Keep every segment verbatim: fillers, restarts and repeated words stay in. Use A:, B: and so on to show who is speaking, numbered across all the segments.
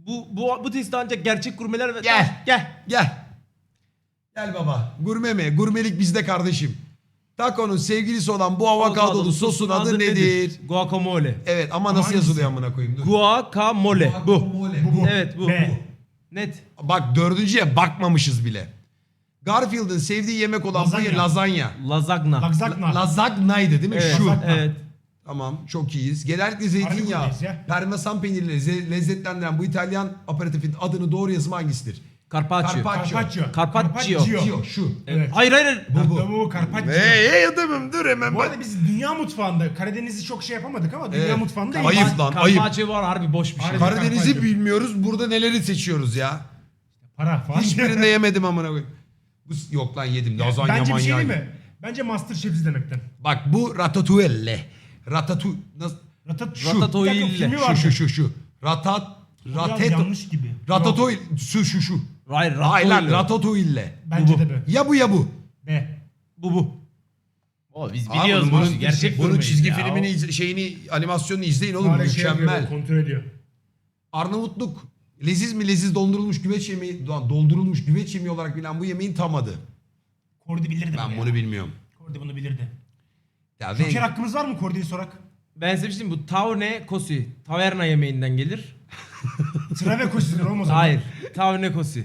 A: Bu bu bu testi ancak gerçek gurmeler ve...
B: Gel.
A: Gel.
B: Gel. Gel baba. Gurme mi? Gurmelik bizde kardeşim. Taco'nun sevgilisi olan bu avokadolu sosun adı nedir?
A: Guacamole.
B: Evet ama
C: Ama
B: nasıl
C: hangisi?
B: yazılıyor amına koyayım? Dur.
A: Guacamole. Bu.
B: Guacamole.
C: Bu, bu.
A: Evet bu.
C: B.
A: Net.
B: Bak dördüncüye bakmamışız bile. Garfield'ın sevdiği yemek olan
C: Lazanya.
B: bu lazanya.
A: Lazagna.
C: Lagzakna.
B: Lazagna'ydı değil mi?
A: Evet.
B: Şu.
C: Lazagna.
A: Evet.
B: Tamam çok iyiyiz. Genellikle zeytinyağı,
C: buradayız ya.
B: parmesan peyniriyle ze- lezzetlendiren bu İtalyan aperatifin adını doğru yazımı hangisidir?
A: Carpaccio.
B: Carpaccio.
C: Carpaccio.
A: Carpaccio.
B: Gio, şu.
C: Evet.
A: Hayır hayır. hayır.
B: Bu, bu.
C: Bu bu Carpaccio.
B: Hey hey adamım dur hemen
C: Bu
B: bak.
C: arada biz dünya mutfağında Karadeniz'i çok şey yapamadık ama dünya
B: Evet.
C: mutfağında
B: Ayıp
C: iyiyiz.
B: lan, ayıp.
A: Carpaccio var harbi boş bir şey.
C: Harbi.
B: Karadeniz'i
C: Carpaccio.
B: bilmiyoruz. Burada neleri seçiyoruz ya?
C: Para falan.
B: Hiçbirinde yemedim amına koyayım. Bu yok lan yedim. Lazanya
C: Bence bir şey
B: manyağı.
C: değil mi? Bence Masterchef izlemekten.
B: Bak bu ratatouille. Ratatu nasıl?
C: Ratat
B: Şu.
A: Ratatouille.
C: Bir dakika, filmi
B: Şu
C: vardı.
B: şu şu şu. Ratat
C: Biraz
B: ratet
C: yanlış gibi.
B: ratatouille şu şu şu.
A: Hayır
B: Hayır lan
A: ratatouille.
B: ratatouille.
C: Bence
A: Bu,
C: de be.
B: Ya bu ya bu.
C: B.
A: Bu bu. O biz
B: Abi
A: biliyoruz
B: bunun-
A: bunu. Gerçek
B: Bunun
A: gurmeyiz
B: çizgi
A: ya.
B: filmini iz- şeyini animasyonunu izleyin oğlum
C: Hala şey
B: mükemmel.
C: yapıyor, kontrol ediyor.
B: Arnavutluk leziz mi leziz dondurulmuş güveç yemeği doldurulmuş güveç yemeği olarak bilinen bu yemeğin tam adı.
C: Kordi bilirdi
B: Ben
C: bunu
B: bunu
C: ya.
B: bilmiyorum.
C: Kordi bunu bilirdi.
B: Ya
C: Joker
B: ben-
C: hakkımız var mı Kordi'yi sorak?
A: Ben size bir şey diyeyim, bu tavne kosi. Taverna yemeğinden gelir.
C: Trave koşuyor olmaz.
A: Hayır. Tavne kosi.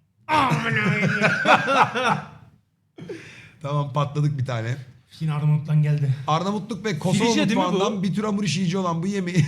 B: Tamam patladık bir tane.
C: Yine Arnavut'tan geldi.
B: Arnavutluk ve Kosova
A: Filije değil mi
B: mutfağından
A: bu?
B: bir tür hamur işiyici olan bu yemeği...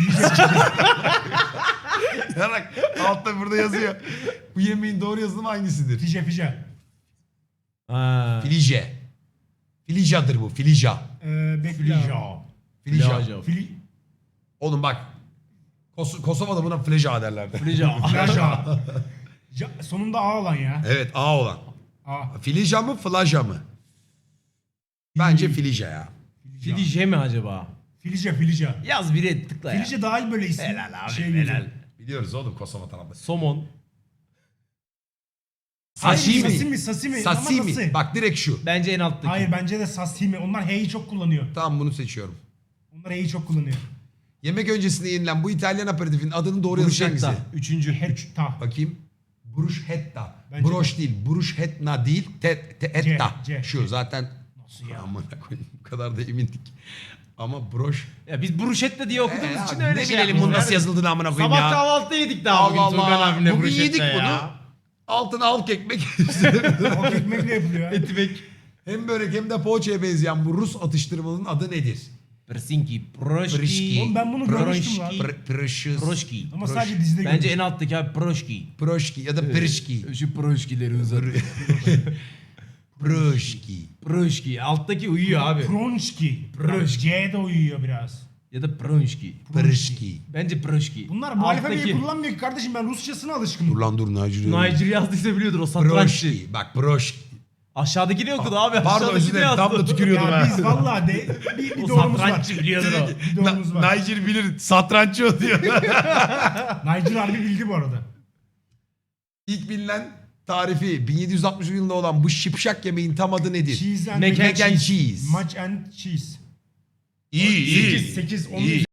B: Ya bak altta burada yazıyor. Bu yemeğin doğru yazılımı hangisidir?
C: Fije fije.
A: Ha.
B: Filije. Filijadır bu. Filija.
C: Ee, bekle.
A: Filija.
B: Filija.
A: Filija.
C: Fili...
B: Oğlum bak. Kos- Kosova'da buna fleja derlerdi.
A: Filija.
C: Flaja. Ja, sonunda A olan ya.
B: Evet A olan.
C: A.
B: Filija mı flaja mı? Bence filija ya.
A: Filije mi acaba?
C: Filije filije.
A: Yaz biri tıkla ya.
C: Filije daha iyi böyle isim.
A: Helal abi
C: şey
A: helal.
C: güzel.
B: Biliyoruz oğlum Kosova tarafı.
A: Somon.
C: Hayır,
B: Sashimi.
C: Sasimi sasimi. Ama nasıl?
B: Sashimi. Bak direkt şu.
A: Bence en alttaki.
C: Hayır bence de sashimi. Onlar H'yi çok kullanıyor.
B: Tamam bunu seçiyorum.
C: Onlar H'yi çok kullanıyor.
B: Yemek öncesinde yenilen bu İtalyan aperatifin adının doğru yazışı hangisi?
A: Bruschetta. Üçüncü.
C: Hetta.
B: Bakayım. Bruschetta.
C: Bence
B: Broş değil. Bruschetta değil. Te, te, etta.
C: C, C.
B: Şu zaten.
C: Nasıl ya?
B: Aman koyayım bu kadar da emindik. Ama broş.
A: Ya biz bruschetta diye okuduğumuz
B: Ee,
A: için
B: abi,
A: öyle
B: ne
A: şey
B: bilelim bunun
A: yapıyoruz.
B: nasıl yazıldığını amına koyayım
A: Sabah
B: ya.
A: kahvaltıda yedik daha bugün
B: Allah
A: Turgan
B: Allah.
A: abimle
B: Bugün
A: bruschetta
B: yedik
A: ya.
B: bunu. Altına halk ekmek.
C: O ekmekle yapılıyor.
A: Etimek.
B: Hem börek hem de poğaçaya benzeyen bu Rus atıştırmalının adı nedir?
A: Persinki. Proşki.
B: Proşki.
C: Oğlum ben bunu görmüştüm lan.
B: Pr Precious.
A: Proşki.
C: Ama sadece dizide
A: Bence en
C: görmüştüm.
A: alttaki abi proşki.
B: Proşki ya da Prişki.
A: Şu proşkileri uzat.
B: Proşki.
A: Proşki. Alttaki uyuyor abi.
C: Pronşki.
A: Pronşki.
C: C de uyuyor biraz.
A: Ya da pronşki.
B: Prişki.
A: Bence proşki.
C: Bunlar bu alfabeyi
A: Alttaki-
C: kullanmıyor ki kardeşim, ben Rusçasına alışkınım.
B: Dur lan dur Nacir.
A: Niger yazdıysa biliyordur o satranççı.
B: Proşki. Bak Proşki.
A: Aşağıdaki ne okudu abi?
B: Pardon
A: Aşağıdaki
B: özür
A: ne
B: dilerim.
A: yazdı?
B: Tam da tükürüyordum
C: Ya
B: ha.
C: biz valla de bir, bir
A: O
C: doğrumuz var.
A: satranççı biliyordur o.
C: Bir doğrumuz var.
B: Nacir bilir. Satranççı o diyor.
C: Nigel harbi bildi bu arada.
B: İlk bilinen tarifi bin yedi yüz altmış yılında olan bu şipşak yemeğin tam adı nedir?
C: Cheese and
A: Mac and
B: Mac and cheese.
C: Mac and cheese.
B: İyi iyi.
C: sekiz, sekiz, on
B: İyi.